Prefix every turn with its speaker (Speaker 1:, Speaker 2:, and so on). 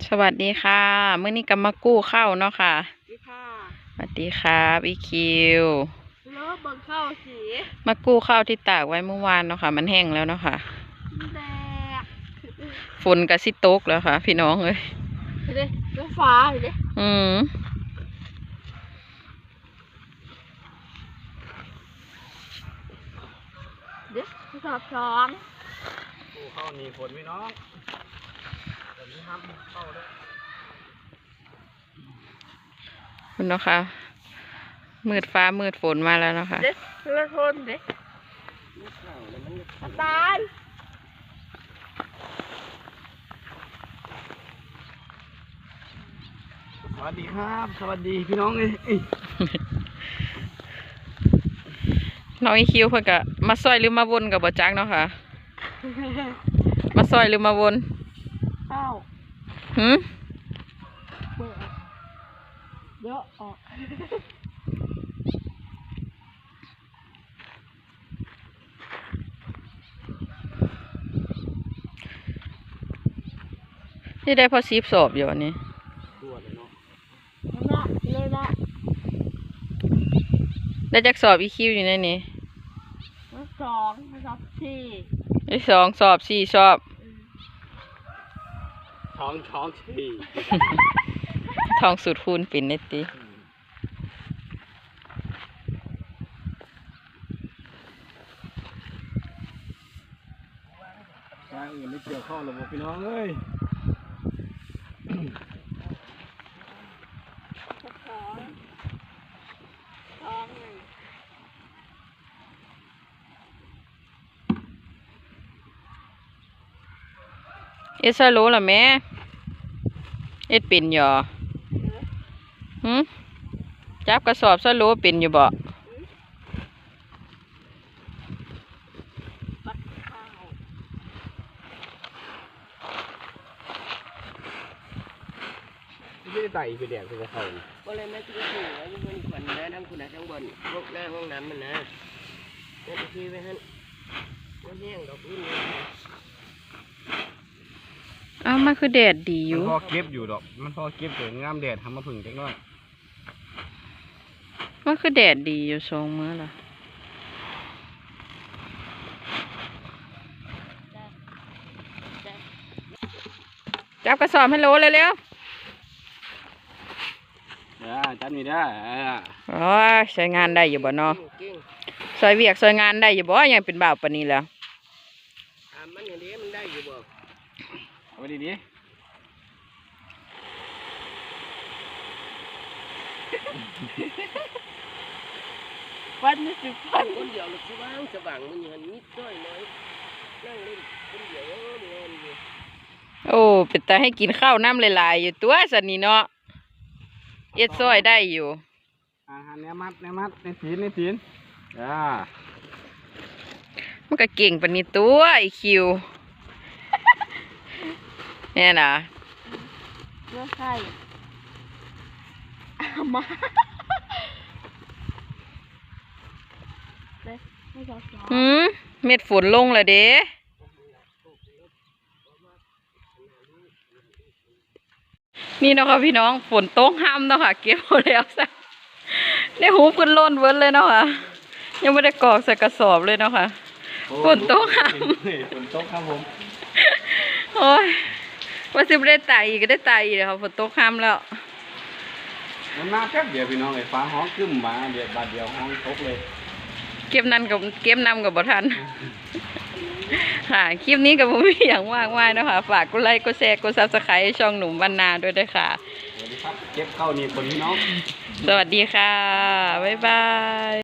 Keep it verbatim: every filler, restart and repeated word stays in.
Speaker 1: สวัสดีค่ะเมื่อนี้ก็มากู้เข้าเนาะค่ะ
Speaker 2: ดีค่ะ
Speaker 1: สวัสดีครับอีคิว
Speaker 2: เลิฟเบิ่งเข้าสี
Speaker 1: มากู้ข้าวที่ตากไว้เมื่อวานเนาะค่ะมันแห้งแล้วเนาะค่ะ
Speaker 2: แดก
Speaker 1: ฝนกับซิตกแล้วค่ะ พี่น้องเอ้ย
Speaker 2: เห็นดิเรื่องฟ้าเห็นดิ
Speaker 1: อืม
Speaker 2: เด็กสอบสอง
Speaker 3: กู้เข้านี่ฝนพี่น้องแต่นี้ห้ามเข้าด้วย
Speaker 1: คุณเนาะค่ะมืดฟ้ามืดฝนมาแล้วเนาะค่ะ
Speaker 2: เด็กเรื่องทนเด็กตาย
Speaker 3: สวัสดีครับสวัสดีพี่น้องเลย
Speaker 1: น้องอีคิวเพื่อนก็มาซอยหรือมาวนกับบ่จักเนาะค่ะมาซอยหรือมาวน
Speaker 2: เข้า
Speaker 1: หืม
Speaker 2: เปิดเยอะออก
Speaker 1: นี่ได้พอซีบสอบอยู่อันนี้
Speaker 3: ตัวเลยเนาะ
Speaker 2: ละเลยละ
Speaker 1: ได้จักสอบอีคิวอยู่ในนี้
Speaker 2: สองสอบสี่
Speaker 1: ไอ้สองสอบสี่สอบ
Speaker 3: ท้องท้องสี่
Speaker 1: ทองสูตรคูณปิ่นในตี
Speaker 3: ทางอื่นไม่เกี่ยวข้องหรอกพี่น้องเอ้ย
Speaker 2: สองสองหนึ่ง
Speaker 1: เอสโลล่ะแม่เอ็ดปิ่นอยู่หืมจับกระสอบซะโลปิ่นอยู่บ่
Speaker 3: ไม่ได้ไต่ไปแดกไปเขา
Speaker 2: ก็เลยไม่ต้องถือว่าอยู่บนขวัญนะทั้งคุณนะทั้งบนพวกหน้าห้องน้ำมันนะนั่นคือไปฮั่นมันแห้งดอกอื่น
Speaker 1: อ้าวมันคือแดดดีอยู่
Speaker 3: มันพอเก็บอยู่ดอกมันพอเก็บเกิดงามแดดทำมาผึ่งเล็กน้อย
Speaker 1: มันคือแดดดีอยู่สองมื้อละจับกระสอบให้โลเลยเร็ว
Speaker 3: อ่าจัดมีได้
Speaker 1: โอ้ยใช้งานได้อยู่บ่เนาะซอยเวียกซอยงานได้อยู่บ่ยังเป็นบ่าวปานนี้แล้ว
Speaker 2: มันอย่างนี้มันได้อยู่บ่
Speaker 3: เอาไปดีดี
Speaker 2: ฟันนี่สิฟันคนเดียวหรือสว่างสว่างมันอย่างนิดน้อยน้อยนั่งเล่นคนเดียวเดินอยู่
Speaker 1: โอ้เป็นตาให้กินข้าวน้ำหลายๆอยู่ตัวสันนี่เนาะเอ็ดซอยได้อยู่
Speaker 3: อาหารเนื้อมัดเนื้อมัดในศีลในศีลอ่า
Speaker 1: มันก็เก่งปานนี้ตัวไอคิวเนี่ยนะ
Speaker 2: เลือใส่มา
Speaker 1: หืมเม็ดฝนลงแล้วเด้นี่เนาะค่ะพี่น้องฝนตกห้ามเนาะค่ะเก็บหมดแล้วซะได้หูขึ้นล้นเวิร์ดเลยเนาะค่ะยังไม่ได้กรอกใส่กระสอบเลยเนาะค่ะฝนตกห้าม
Speaker 3: ฝนตกครับผม
Speaker 1: โอ้ยว่าสิไม่ได้ไต่อีกก็ได้ไต่อีกเลยค่ะฝนตกห้ามแล้ว
Speaker 3: มันมาแค่เดียวพี่น้องเลยฟ้าห้องขึ้นมาเดียวบาดเดียวห้องตกเลย
Speaker 1: เก็บนั่นกับเก็บนำกับบ่ทันค่ะคลิปนี้กับผมมีอย่างมากมายนะคะฝากกดไลค์กดแชร์กดซับสไครต์ช่องหนุ่มบรรณาด้วยด้วยค่ะ
Speaker 3: สวัสดีครับเก็บเข้านี่คนพี่น้อง
Speaker 1: สวัสดีค่ะบ๊ายบาย